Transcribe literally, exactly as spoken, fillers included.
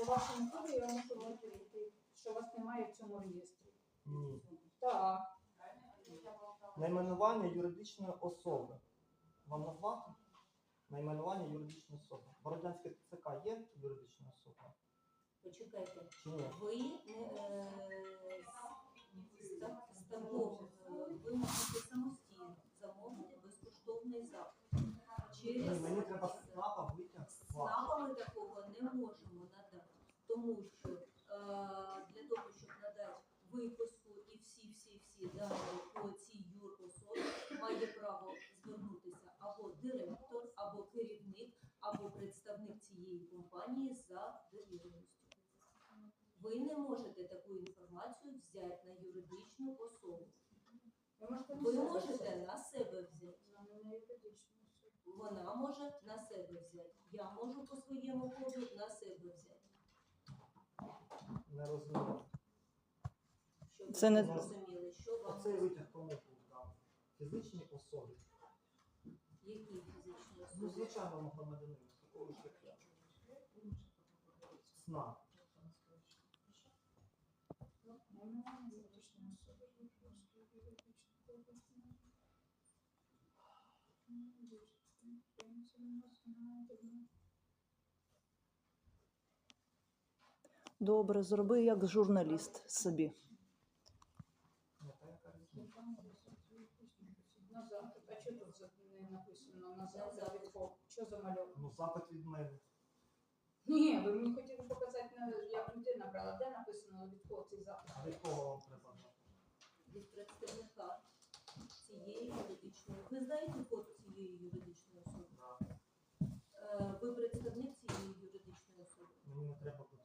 По вашому коду я можу розповісти, що вас немає в цьому реєстрі. Ні. Так. Найменування юридичної особи. Вам назвати? Найменування юридичної особи. Бородянське ТЦК є юридична особа? Почекайте, Чи ні? ви не е, ста- станов, е, ви можете самостійно замовити безкоштовний запит. Ні, Через мені треба з ЦНАПа витяг з вас. ЦНАПа ми такого не можемо надати, тому що е, для того, щоб надати виписку і всі-всі-всі дані по цій юрособі, має право звернутися або директор, або керівник, або представник цієї компанії за довіреністю. Ви не можете таку інформацію взяти на юридичну особу. Ви можете на Ви себе можете взяти. на себе взяти. На юридичну особу. Вона може на себе взяти. Я можу по своєму коду на себе взяти. Не розумію. Щоб ви Це не- зрозуміли, що вам Оцей витяг кому був дав? Фізичній особі. які фізичні Ну, особи. звичайному громадянину. Такого ж як я. ЦНАП. Найменування юридичної особи. Юридичної особи. Добре, зроби як журналіст собі. Не та яка різниця. На запит. А що тут за- не написано на запит? запит. від кого? Що замальовано? Ну, запит від мене. Ні, ви мені хотіли показати, на- як людина брала. Де написано від кого цей запит? А від кого вам треба знати? Від представника цієї юридичної. Ви знаєте код цієї юридичної особи? Да. Е, Ви представник цієї юридичної особи. Мені не треба